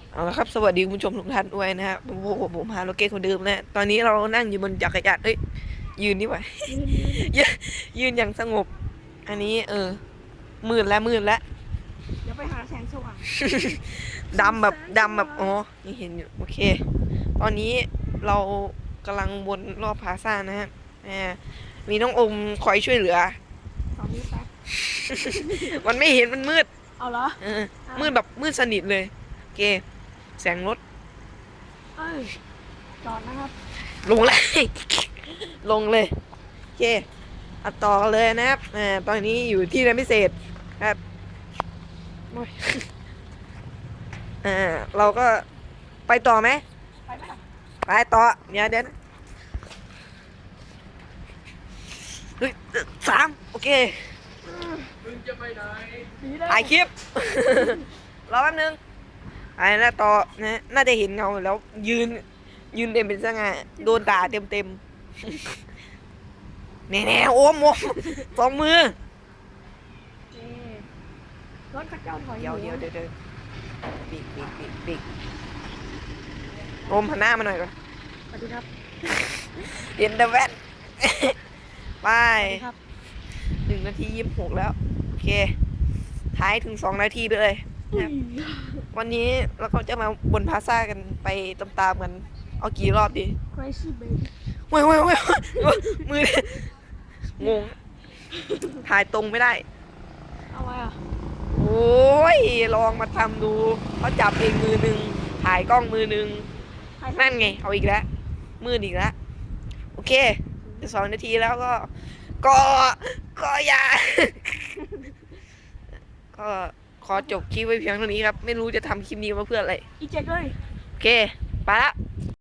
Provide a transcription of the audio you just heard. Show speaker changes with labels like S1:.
S1: เอาละครับสวัสดีคุณผู้ชมทุกท่านด้วยนะครับผมฮาโลเกตคนเดิมนะตอนนี้เรานั่งอยู่บนจักรยานยืนนี่หว่า
S2: ยืน
S1: ยืนยืนอย่างสงบอันนี้มืดแล้ว
S2: เดี๋ยวไปหาแสงสว่าง
S1: ดำแบบอ๋อนี่เห็นอยู่โอเคตอนนี้เรากำลังวนรอบพลาซ่านะฮะอ่ามีน้องอมคอยช่วยเหลือ
S2: 2 นิ้วแป๊บ
S1: มันไม่เห็นมันมืด
S2: เอาเหรอ
S1: เออมืดแบบมืดสนิทเลยโอเคแสงรถ
S2: เอ้ยจอดนะครับ
S1: ลงเลย ลงเลยโอเคอัดต่อกันเลยนะครับตอนนี้อยู่ที่เรียนพิเศษครับโอ้ย เราก็ไปต่อไหม
S2: ไปไหมล่ะ
S1: ไปต่อเดี๋ยวนะเฮ้ย3โอเค
S2: ดีเลย
S1: ถ่ายคลิป รอแป๊บนึงไอ้นะต่อนะน่าจะเห็นเงาแล้วยืนเต็มเป็นสง่าโดนด่าเต็มแน่ๆโอมสองมือ
S2: นี่รถข้าเจ้าถอย
S1: เดี๋ยวปีกโอมหันหน้ามาหน่อยก่อน
S2: สวัสดีครับ
S1: เห็นแต่แว่น ไป
S2: สวัสดีครับ
S1: 1 นาที 26แล้วโอเคท้ายถึง2 นาทีไปเลยนะครับวันนี้เราก็จะมาบนพลาซ่ากันไปตามๆกันเอากี่รอบดี
S2: crazy baby
S1: เว้ยมืองงถ่ายตรงไม่ได้
S2: เอาไว้อ่ะ
S1: โอ้ยลองมาทำดูเขาจับเองมือหนึ่งถ่ายกล้องมือหนึ่งนั่นไงเอาอีกแล้วมืดอีกแล้วโอเค2 นาทีแล้วก็ก็อย่า ก็ขอจบคลิปไว้เพียงเท่านี้ครับไม่รู้จะทำคลิปนี้มาเพื่ออะไร
S2: อีเจ็กเลย
S1: โอเคไปละ